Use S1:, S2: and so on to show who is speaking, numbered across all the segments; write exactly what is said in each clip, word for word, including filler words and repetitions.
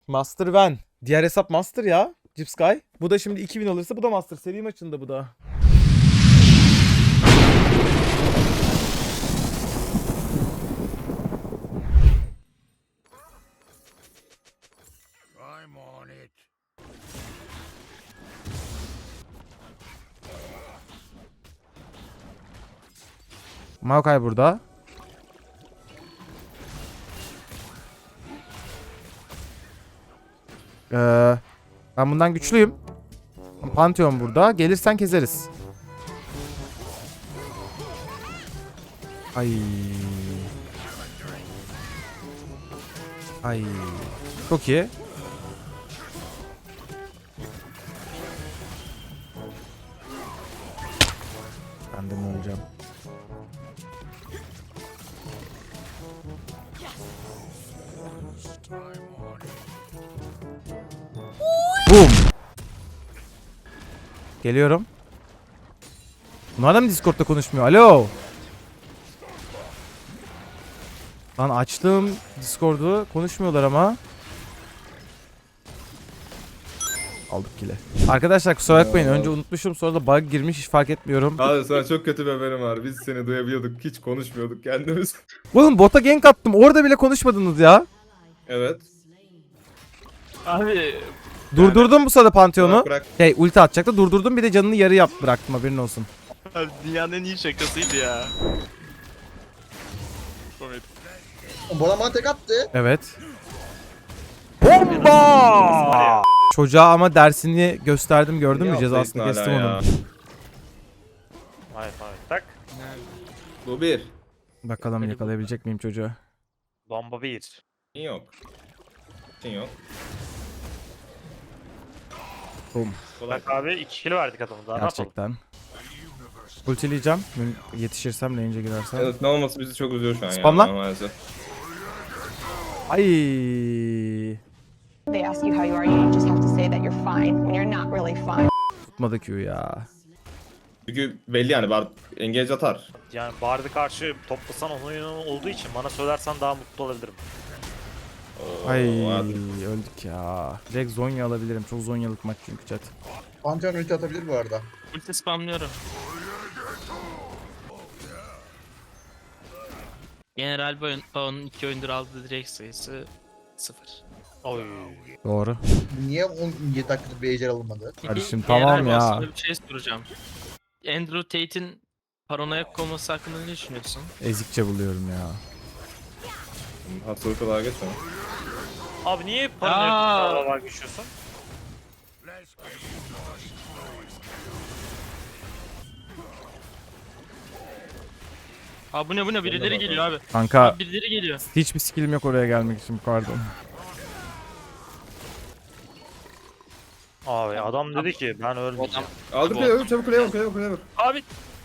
S1: Master Van. Diğer hesap Master ya. Cipsky. Bu da şimdi iki bin alırsa bu da Master. Seri maçında bu da. Maokai burada. Ee, ben bundan güçlüyüm. Pantheon burada. Gelirsen kezeriz. Ay. Ay. Çok iyi. Ben de mi öleceğim? Boom. Geliyorum. Bunlar da mı Discord'da konuşmuyor? Alo. Lan açtım Discord'u. Konuşmuyorlar ama. Aldık kile. Arkadaşlar kusura bakmayın. Önce unutmuşum, sonra da bug girmiş, hiç fark etmiyorum.
S2: Abi sana çok kötü bir haberim var. Biz seni duyabiliyorduk. Hiç konuşmuyorduk kendimiz.
S1: Oğlum bota gank attım. Orada bile konuşmadınız ya.
S2: Evet.
S3: Abi
S1: Durdurdum bu sırada Pantheon'u.
S2: Bırak, bırak.
S1: Şey ulti atacaktı. Durdurdum, bir de canını yarı yap bıraktım, haberin olsun.
S3: abi dünyanın en iyi şakasıydı ya. Komedi.
S4: Bana bana tek attı.
S1: Evet. Bomba! Çocuğa ama dersini gösterdim, gördün mü?
S2: Niye
S1: Cezasını
S2: atlayısın
S1: kestim
S2: hala
S1: onun.
S2: ya?
S3: Hayır hayır tak.
S2: Bu bir.
S1: Bakalım yakalayabilecek miyim çocuğu?
S3: Bomba bir.
S2: Kim yok. Kim yok.
S1: Boom.
S3: Bak abi iki kill verdik adamı daha ne yapalım.
S1: Gerçekten. Ultileyeceğim. Yetişirsem, range'e girersem.
S2: Evet, ne olması bizi çok üzüyor şu an
S1: Spamla.
S2: ya. Maalesef.
S1: Ay.
S5: They ask you how you are, you just have to say that you're fine when you're not really fine.
S1: Tutmadı Q ya.
S2: Çünkü belli yani. Bar engage atar.
S3: Yani Bard'ı karşı toplasan onun oyunu olduğu için bana söylersen daha mutlu olabilirim.
S2: Oo,
S1: Ay
S2: hadi.
S1: öldük ya. Direkt Zonya alabilirim. Çok Zonyalık maç çünkü chat.
S4: Pantheon ulti atabilir bu arada.
S6: Ulti spamlıyorum. General Bao'nun iki oyundur aldığı direkt sayısı sıfır.
S3: Oy.
S1: Doğru.
S4: Niye on yedi dakikada bir ejder alınmadı?
S1: Kardeşim,
S6: General
S1: tamam ya.
S6: Bao'suna bir şey soracağım. Andrew Tate'in paranoyak olması hakkında ne düşünüyorsun?
S1: Ezikçe buluyorum ya.
S2: Hastalık olarak geçme.
S3: Abi niye
S6: Aa.
S3: paranoyak var geçiyorsun?
S6: Aa bu ne bu ne birileri geliyor abi.
S1: Kanka
S6: Abi birileri geliyor.
S1: hiçbir skillim yok oraya gelmek için, pardon.
S3: Abi adam dedi ki ben ölmeyeceğim.
S2: Aldık
S6: Bu-
S2: kuleye vur. Çabuk kuleye vur. Kuleye vur. Kuleye vur.
S3: Abi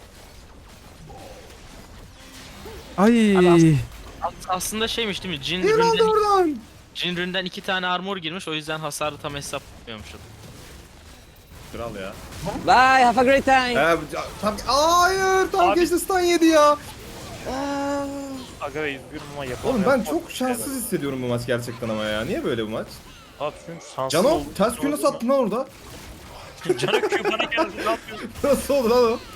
S1: Ay.
S6: As- aslında şeymiş değil mi? Jin
S2: Gel aldı
S6: ründen,
S2: buradan.
S6: Jin ründen iki tane armor girmiş, o yüzden hasarı tam hesaplamıyormuş.
S2: Kral ya.
S7: Bye, have a great time.
S2: Ee, tam hayır tam
S3: Abi-
S2: geçti stun yedi ya.
S3: aga be üzgünüm ama yapamıyorum.
S2: Oğlum ben çok şanssız hissediyorum bu maç gerçekten ama ya. Niye böyle bu maç?
S3: Abi çünkü şanssız
S2: Cano
S3: oldum.
S2: ters Q nasıl attın lan orada?
S3: Cano Q bana geldi ne yapıyorsun?
S2: Nasıl oldu lan o?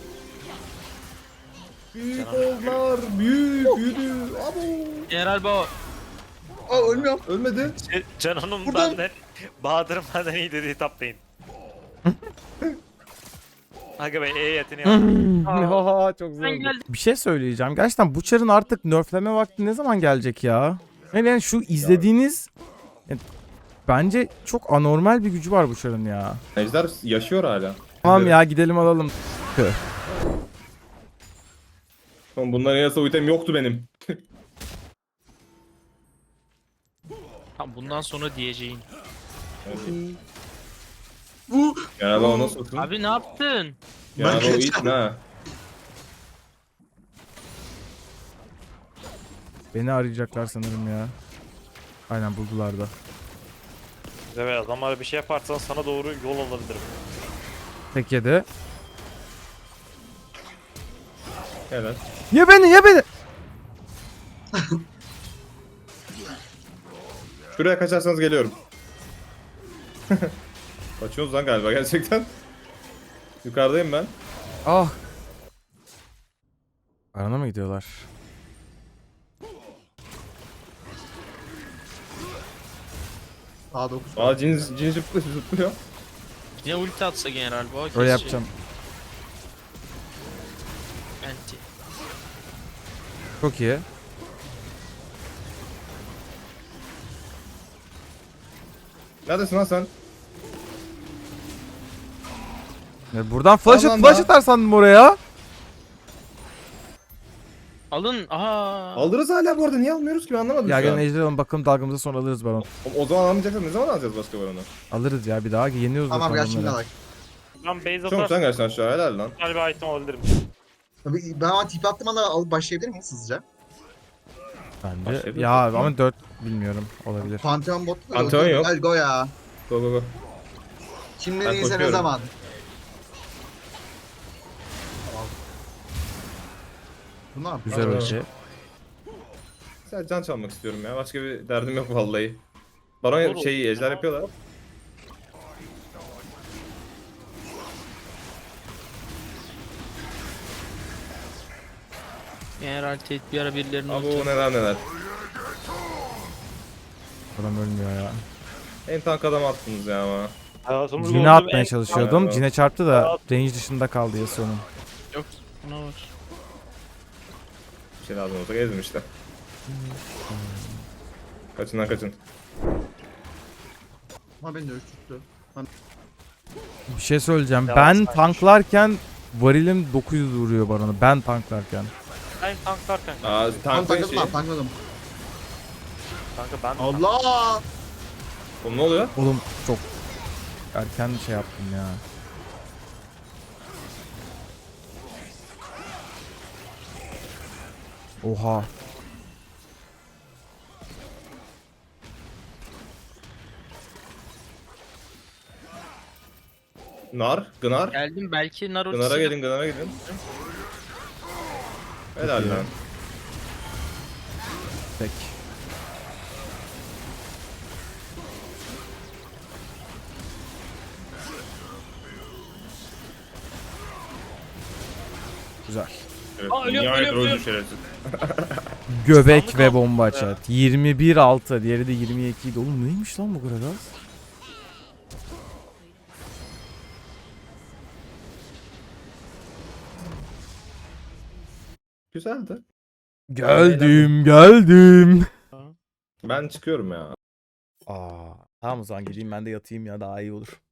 S2: Büyük oldular. Büyük büyüdü. Abo.
S6: General Bao.
S4: Aa ölmüyorum.
S2: Ölmedi.
S3: Cano'nun
S4: Buradan-
S3: benden, Bahadır'ın benden iyi dediği taplayın. Aga be E yeteneği
S1: Haha, çok zor.
S6: Ben geldim.
S1: Bir şey söyleyeceğim. Gerçekten bu çarın artık nerfleme vakti ne zaman gelecek ya? Yani, yani şu izlediğiniz yani, bence çok anormal bir gücü var bu çarın ya.
S2: Ejder yaşıyor hala.
S1: Tamam ya, gidelim alalım. Tüh.
S2: Oğlum bunların yasa item yoktu benim.
S6: Tamam bundan sonra diyeceğin.
S2: Yani o nasıl olsun?
S6: Abi ne yaptın?
S2: Yani o it ne?
S1: Beni arayacaklar sanırım ya. Aynen, buldular da.
S3: Evet adamlara bir şey yaparsan sana doğru yol alabilirim.
S1: Tek yedi.
S2: Evet.
S1: Ye beni, ye beni.
S2: Şuraya kaçarsanız geliyorum. Kaçıyoruz lan galiba gerçekten. Yukarıdayım ben.
S1: Ah. Arana mı gidiyorlar?
S4: A dokuz.
S2: Aa cin, cin zıplıyor, zıplıyor.
S6: Yine ulti atsa general bu.
S1: Öyle
S6: kesecek.
S1: yapacağım.
S6: Anti.
S1: Çok iyi.
S2: Neredesin lan sen?
S1: Ya buradan flash,
S2: Tamam
S1: flash
S2: da.
S1: atar sandım oraya.
S6: Alın. Aa.
S2: Alırız hala bu arada. Niye almıyoruz ki ben anlamadım
S1: Ya
S2: şu an.
S1: gelin ejder alalım bakalım dalgamıza sonra alırız baron.
S2: O, o zaman alamayacaksak ne zaman alacağız başka baronu?
S1: Alırız ya bir daha yeniyoruz
S4: Tamam
S1: zaten
S4: gel şimdi
S1: onları.
S4: bak.
S3: Ben base
S2: Çok sen
S3: atarsam
S2: gerçekten aşağı helal lan.
S3: güzel bir item alabilirim.
S4: Tabii ben ama tip attım anda alıp başlayabilir miyiz hızlıca?
S1: Bence.
S2: Başlayabiliriz.
S1: Ya ama dört bilmiyorum olabilir.
S4: Pantheon bot.
S2: Pantheon yok.
S4: Gel go ya.
S2: Go go go.
S4: Şimdi
S2: Ben
S4: değilse ne
S2: koşuyorum.
S4: zaman? Bunlar
S1: Güzel
S2: Aa.
S1: ölçü.
S2: Sadece can çalmak istiyorum ya. Başka bir derdim yok vallahi. Baron
S3: Olur.
S2: şeyi ejder yapıyorlar.
S6: General Tate bir ara birilerinin
S2: Abi
S6: ulti.
S2: o neler neler.
S1: Adam ölmüyor ya.
S2: En tank adam attınız ya ama.
S3: Hayatımda
S1: Cine
S3: gördüğüm
S1: atmaya
S3: en-
S1: çalışıyordum.
S2: Evet.
S1: Cine çarptı da range dışında kaldı Yasuo'nun.
S6: Yok. Buna var.
S2: Bir şey lazım olsa gezdim işte. Kaçın lan kaçın.
S4: Ama beni de ürküttü.
S1: Bir şey söyleyeceğim.
S3: Yalan
S1: Ben
S3: saymış.
S1: tanklarken varilim dokuz yüz vuruyor baronu. Ben tanklarken.
S3: Ben tanklarken.
S2: Aa
S4: Tam
S2: tank
S4: takladım
S2: şeyi.
S4: lan takladım.
S3: Kanka ben
S4: Allah!
S2: Oğlum ne oluyor?
S1: Oğlum çok erken şey yaptım ya. Oha.
S2: Nar, Gınar.
S6: Geldim belki nar
S2: Gınar'a
S6: ultisi.
S2: gelin, Gınar'a gidin. Helal
S1: iyi.
S2: lan.
S1: Peki. Güzel.
S2: Evet,
S6: Aa, ölüyorum,
S2: nihayet
S6: ölüyorum,
S2: öldü
S6: ölüyorum.
S2: şerefsiz.
S1: Göbek
S3: Sandık
S1: ve
S3: aldım.
S1: bomba
S3: Evet.
S1: çat. yirmi bir altı. Diğeri de yirmi iki idi. Oğlum neymiş lan bu kadar az?
S2: Güzeldi.
S1: Geldim geldim.
S2: Ben çıkıyorum ya.
S1: Aa, tamam o zaman gideyim ben de yatayım ya daha iyi olur.